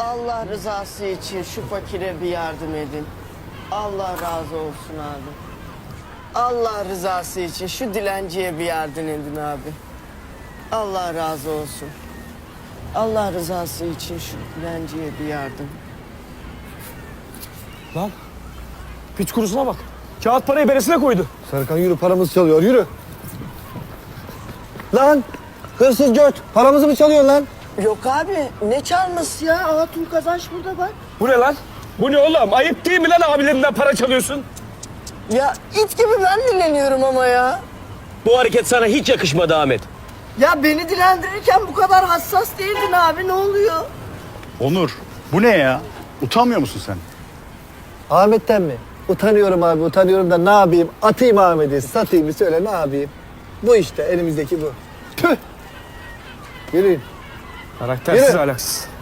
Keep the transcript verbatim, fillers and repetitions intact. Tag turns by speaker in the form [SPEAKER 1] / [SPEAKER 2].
[SPEAKER 1] Allah rızası için şu fakire bir yardım edin. Allah razı olsun abi. Allah rızası için şu dilenciye bir yardım edin abi. Allah razı olsun. Allah rızası için şu dilenciye bir yardım.
[SPEAKER 2] Lan piç kurusuna bak. Kağıt parayı beresine koydu.
[SPEAKER 3] Serkan yürü, paramızı çalıyor, yürü. Lan hırsız göt, paramızı mı çalıyor lan?
[SPEAKER 1] Yok abi ne çalması ya? Hatun Kazanç burada bak.
[SPEAKER 2] Bu ne lan? Bu ne oğlum? Ayıp değil mi lan abilerinden para çalıyorsun?
[SPEAKER 1] Ya it gibi ben dileniyorum ama ya.
[SPEAKER 4] Bu hareket sana hiç yakışmadı Ahmet.
[SPEAKER 1] Ya beni dilendirirken bu kadar hassas değildin abi, ne oluyor?
[SPEAKER 5] Onur, bu ne ya? Utanmıyor musun sen?
[SPEAKER 3] Ahmet'ten mi? Utanıyorum abi, utanıyorum da ne yapayım? Atayım Ahmet'i, satayım mı söyle, ne yapayım? Bu işte, elimizdeki bu. Tüh! Yürüyün.
[SPEAKER 2] Karaktersiz
[SPEAKER 3] Yürü.
[SPEAKER 2] alaksız.